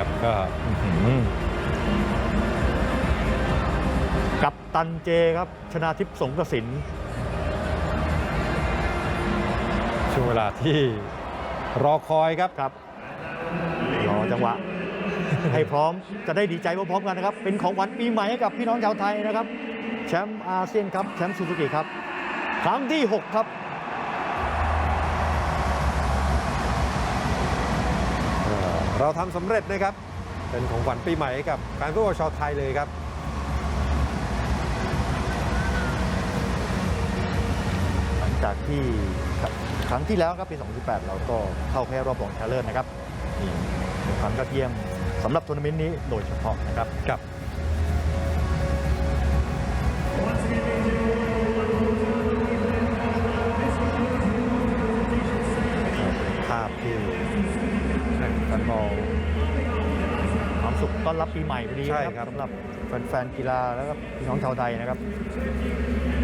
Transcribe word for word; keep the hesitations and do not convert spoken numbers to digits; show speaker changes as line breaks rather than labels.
ครับก็
กัปตันเจครับชนาทิพย์สงกสิน
ช่วงเวลาที่รอคอยครับ
ครับรอจังหวะ ให้พร้อมจะได้ดีใจพร้อมๆกันนะครับเป็นของขวัญปีใหม่ให้กับพี่น้องชาวไทยนะครับแชมป์อาเซียนครับแชมป์ซูซูกิครับครั้งที่หกครับ
เราทำสำเร็จนะครับเป็นของขวัญปีใหม่ให้กับแฟนฟุตบอลชาวไทยเลยครับ
หลังจากที่ครั้งที่แล้วครับปีสองพันสิบแปดเราก็เข้าแค่รอบรองชนะเลิศนะครับนี่เป็นความยอดเยี่ยมสำหรับทัวร์นาเมนต์นี้โดยเฉพาะนะครับ
กับ
ภาพที่แฟนบอลความสุขต้อนรับปีใหม่พอดีนะครับสำหรับแฟนๆกีฬาแล้วก็พี่น้องชาวไทยนะครับ